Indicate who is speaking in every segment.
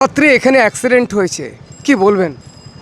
Speaker 1: রাত্রে এখানে অ্যাক্সিডেন্ট হয়েছে, কি বলবেন?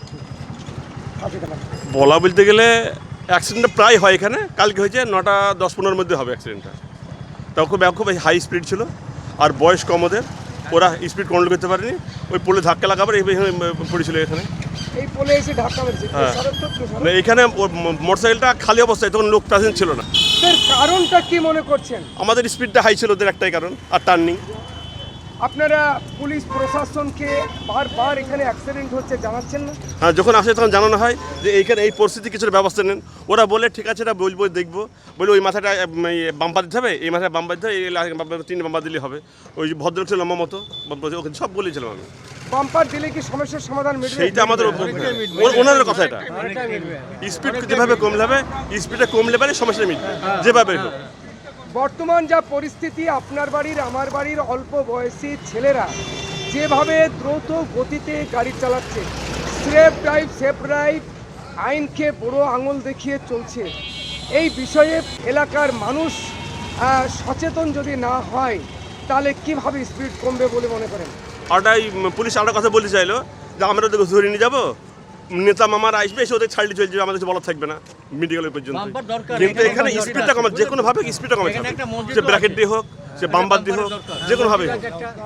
Speaker 2: বলা বলতে গেলে অ্যাক্সিডেন্টটা প্রায় হয় এখানে। কালকে হয়েছে 9টা 10-15-র মধ্যে হবে অ্যাক্সিডেন্টটা। তাও খুব হাই স্পিড ছিল, আর বয়স কম ওদের, ওরা স্পিড কন্ট্রোল করতে পারেনি, ওই পোলে ধাক্কা লাগাবার এইভাবে পড়েছিল এখানে।
Speaker 1: এই পোলে এসে ধাক্কা মেরেছে।
Speaker 2: হ্যাঁ, এখানে মোটরসাইকেলটা খালি অবস্থায়, তখন লোক প্রেজেন্ট ছিল না।
Speaker 1: এর কারণটা কি মনে করছেন?
Speaker 2: আমাদের স্পিডটা হাই ছিল, ওদের একটাই কারণ, আর টার্নিং।
Speaker 1: আপনারা পুলিশ প্রশাসনকে বারবার এখানে অ্যাক্সিডেন্ট হচ্ছে জানাচ্ছেন না?
Speaker 2: হ্যাঁ, যখন আসে তখন জানানো হয় যে এইখানে এই পরিস্থিতি কিছুর ব্যবস্থা নেন। ওরা বলে ঠিক আছে, এটা বলবো, দেখবো, বলে ওই মাথাটা বাম্পার দিতে হবে, এই মাথায় বাম্পার দিতে হবে, এই 3 বাম্পার দিলে হবে। ওই ভদ্রলোক ছিল লম্বা মতো, ওকে সব বলেছিলাম আমি।
Speaker 1: বাম্পার দিলে কি সমস্যার সমাধান মিটবে?
Speaker 2: সেইটা আমাদের ওনাদের কথা। এটা স্পিড যেভাবে কমলে হবে, স্পিডটা কমলে পারে সমস্যা মিটবে যেভাবে হোক।
Speaker 1: বর্তমান যা পরিস্থিতি, আপনার বাড়ির আমার বাড়ির অল্প বয়সী ছেলেরা যেভাবে দ্রুত গতিতে গাড়ি চালাচ্ছে, সেফ ড্রাইভ আইনকে বড় আঙুল দেখিয়ে চলছে, এই বিষয়ে এলাকার মানুষ সচেতন যদি না হয় তাহলে কিভাবে স্পিড কমবে বলে মনে করেন?
Speaker 2: ওটাই পুলিশ আরেকটা কথা বলতে চাইলো যে আমরা ওদেরকে ধরে নিয়ে যাবো, নেতা মামারা আসবে, এসে ওদের ছাড়লে চলে যাবে, আমাদের কিছু বলার থাকবে না মেডিকেলের পর্যন্ত। কিন্তু এখানে স্পিডটা কমা, যে কোনোভাবে স্পিডটা কমাতে হবে, সে ব্র্যাকেট দিয়ে হোক, সে বাম্পার দিয়ে হোক, যে কোনোভাবে হোক।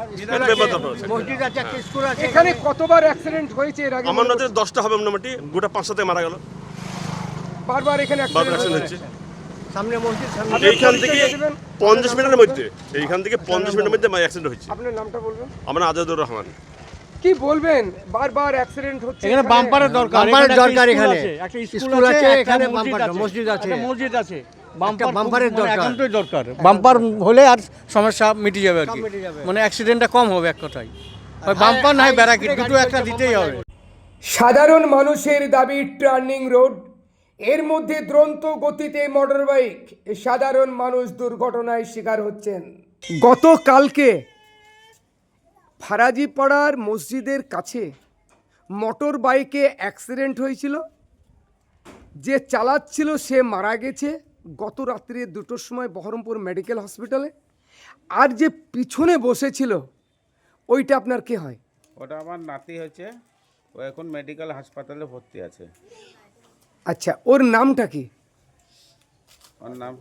Speaker 1: এখানে কতবার অ্যাক্সিডেন্ট হয়েছে এর আগে?
Speaker 2: আমার নজরে 10টা হবে মোটামুটি, গোটা 5-7 মারা গেল।
Speaker 1: বারবার এখানে
Speaker 2: বারবার
Speaker 1: অ্যাক্সিডেন্ট
Speaker 2: হচ্ছে।
Speaker 1: সামনে মসজিদ,
Speaker 2: এইখান থেকে 50 মিনিটের মধ্যে, এইখান থেকে 50 মিনিটের মধ্যে অ্যাক্সিডেন্ট হচ্ছে।
Speaker 1: আপনার নামটা বলবেন?
Speaker 2: আমরা আজাদুর রহমান।
Speaker 1: কি বলবেন? বারবার অ্যাক্সিডেন্ট হচ্ছে
Speaker 3: এখানে বাম্পারের দরকার,
Speaker 4: বাম্পারের দরকার। এখানে
Speaker 3: একটা
Speaker 4: স্কুল আছে, এখানে
Speaker 3: মসজিদ আছে,
Speaker 4: মসজিদ আছে।
Speaker 3: বাম্পারের
Speaker 4: দরকার।
Speaker 3: একান্তই দরকার। বাম্পার হলে আর সমস্যা মিটে যাবে আর কি,
Speaker 4: মিটে যাবে।
Speaker 3: মানে অ্যাক্সিডেন্টটা কম হবে এক কথায়। হয় বাম্পার না হয় ব্যারাকি, দুটো একটা দিতেই হবে।
Speaker 1: সাধারণ মানুষের দাবি টার্নিং রোড, এর মধ্যে দ্রুত গতিতে মোটরবাইক, সাধারণ মানুষ দুর্ঘটনায় শিকার হচ্ছেন। গতকালকে ফারাজিপাড়ার মসজিদের কাছে মোটর বাইকে অ্যাক্সিডেন্ট হয়েছিল, যে চালাচ্ছিল সে মারা গেছে গত রাত্রে 2টোর সময় বহরমপুর মেডিকেল হসপিটালে। আর যে পিছনে বসেছিল ওইটা আপনার কে হয়?
Speaker 5: ওটা আমার নাতি হচ্ছে, ও এখন মেডিকেল হাসপাতালে ভর্তি আছে।
Speaker 1: আচ্ছা, ওর নামটা কি?
Speaker 5: ওর নাম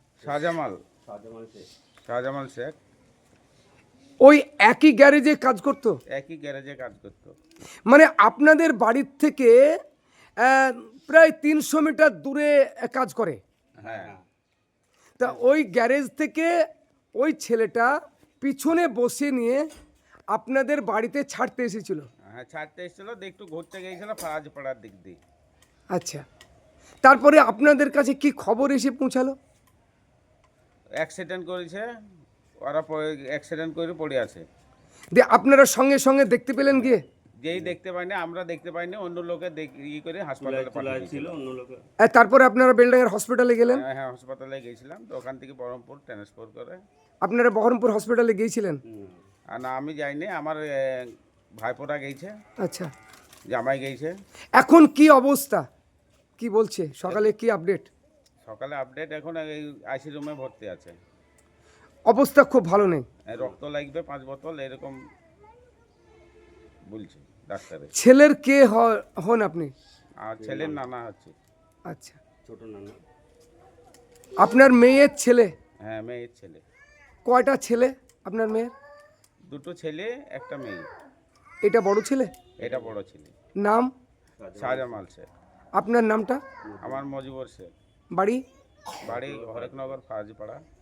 Speaker 5: শাহজামাল শেখ।
Speaker 1: ওই একই গ্যারেজে কাজ করতো?
Speaker 5: একই গ্যারেজে কাজ করতো।
Speaker 1: মানে আপনাদের বাড়ির থেকে প্রায় 300 মিটার দূরে কাজ করে?
Speaker 5: হ্যাঁ।
Speaker 1: তা ওই গ্যারেজ থেকে ওই ছেলেটা পিছনে বসে নিয়ে আপনাদের বাড়িতে ছাড়তে এসেছিল?
Speaker 5: হ্যাঁ, ছাড়তে এসেছিল, একটু ঘুরতে গিয়েছিল ফারাজপাড়ার দিক দিয়ে।
Speaker 1: আচ্ছা, তারপরে আপনাদের কাছে কি খবর এসে পৌঁছালো?
Speaker 5: অ্যাক্সিডেন্ট করেছে, ওরা অ্যাক্সিডেন্ট করে পড়ে আছে।
Speaker 1: দিয়ে আপনারা সঙ্গে সঙ্গে দেখতে পেলেন গিয়ে?
Speaker 5: যেই দেখতে পাইনি, আমরা দেখতে পাইনি, অন্য লোকে করে হাসপাতালে পাঠিয়েছিল।
Speaker 1: তারপরে আপনারা বেলডাঙ্গার হসপিটালে গেলেন?
Speaker 5: হ্যাঁ, হাসপাতালে গিয়েছিলাম, তো ওখান থেকে বহরমপুর ট্রান্সফার করে।
Speaker 1: আপনারা বহরমপুর হসপিটালে গিয়েছিলেন?
Speaker 5: আর না, আমি যাইনি, আমার ভাইপোরা গেছে।
Speaker 1: আচ্ছা,
Speaker 5: জামাই গেছে।
Speaker 1: এখন কি অবস্থা, কি বলছে, সকালে কি আপডেট?
Speaker 5: সকালে আপডেট, এখন এই আইসি রুমে ভর্তি আছে।
Speaker 1: অবস্থা খুব ভালো নেই?
Speaker 5: রক্ত লাগবে 5 বোতল এরকম বলছে ডাক্তারে।
Speaker 1: ছেলের কে হন আপনি?
Speaker 5: আর ছেলের নানা হচ্ছে।
Speaker 1: আচ্ছা, ছোট নানা। আপনার মেয়ের ছেলে?
Speaker 5: হ্যাঁ, মেয়ের ছেলে।
Speaker 1: কয়টা ছেলে আপনার মেয়ের?
Speaker 5: 2টো ছেলে, একটা মেয়ে।
Speaker 1: এটা বড় ছেলে?
Speaker 5: এটা বড় ছেলে।
Speaker 1: নাম?
Speaker 5: শাহজামাল শেখ।
Speaker 1: আপনার নামটা?
Speaker 5: আমার মজিবর শেখ।
Speaker 1: বাড়ি?
Speaker 5: বাড়ি হরেকনগর, ফারাজিপাড়া।